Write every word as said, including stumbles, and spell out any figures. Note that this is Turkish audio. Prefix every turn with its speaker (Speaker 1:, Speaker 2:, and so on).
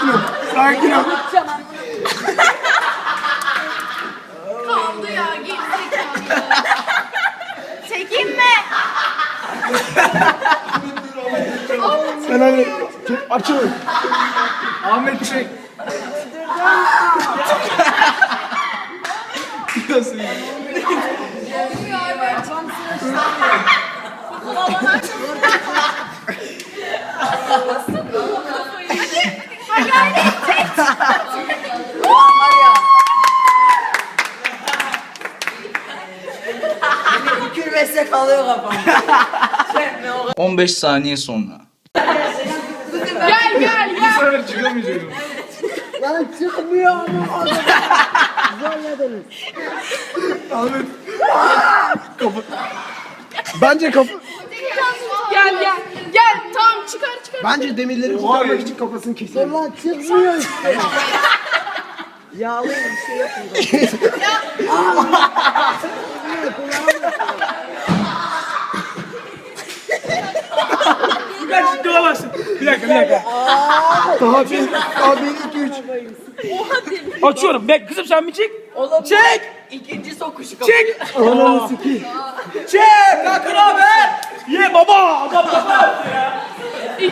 Speaker 1: sakin ol. Sakin ol.
Speaker 2: Kaldı ya, gerizekalı. Çekeyim mi?
Speaker 1: Sen hadi çek, açıl. Ahmet çek. Nasıl ya?
Speaker 3: Gülmezse kalıyor kafam.
Speaker 4: on beş saniye sonra.
Speaker 2: Gel gel
Speaker 1: Bu
Speaker 2: gel.
Speaker 1: sefer çıkamayacağım.
Speaker 3: Lan çıkmıyor ama. Zorladınız.
Speaker 1: Ahmet. Kapı. Bence kapı.
Speaker 2: Gel gel. Gel tamam çıkar çıkar.
Speaker 1: Bence demirleri kurtarmak için kafasını keselim.
Speaker 3: Lan çıkmıyor işte. Yağlı bir şey yapın.
Speaker 1: Kaç çıkamazsın. Bir dakika bir dakika. Daha bir, daha bir, iki, üç.
Speaker 5: Açıyorum. Bek kızım sen bir çek.
Speaker 3: Çek. İkinci sokuşu kapıyor.
Speaker 5: Çek.
Speaker 1: Ananı sikeyim.
Speaker 5: Çek. Kalkın abi. Ye baba. Baba baba.